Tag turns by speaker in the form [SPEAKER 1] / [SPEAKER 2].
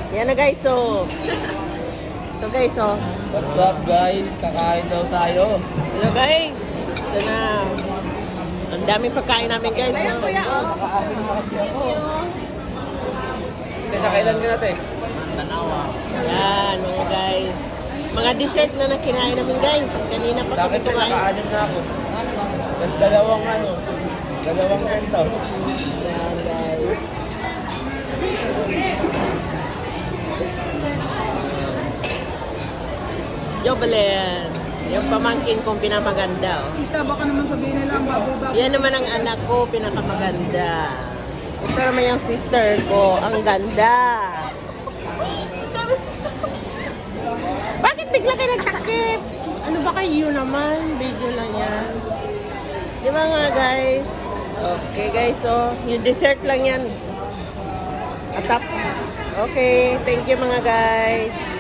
[SPEAKER 1] Yan na guys, so. Ito guys, so.
[SPEAKER 2] What's up guys? Kakain daw tayo.
[SPEAKER 1] Hello guys. Ito na. Ang daming pagkain namin guys. So.
[SPEAKER 2] Nakaamin na kasi ako. Kailan ka natin? Tanawa.
[SPEAKER 1] Yan mga guys. Mga dessert na nakinain namin guys. Kanina pa
[SPEAKER 2] Sa akin
[SPEAKER 1] kami kumain.
[SPEAKER 2] nakaanin na ako. Tapos dalawang ganito.
[SPEAKER 1] Yan guys. Jobelen. Yung pamangkin kong pinamaganda. Oh.
[SPEAKER 3] Tita, baka naman sabihin nila ang baboy-baboy.
[SPEAKER 1] Yan naman ang anak ko, pinakamaganda. Ito naman yung sister ko, ang ganda. Bakit bigla kayo nagtakip? Ano ba kayo naman? Video lang yan. Di ba nga guys? Okay guys, so yung dessert lang yan. Atap. Okay, thank you mga guys.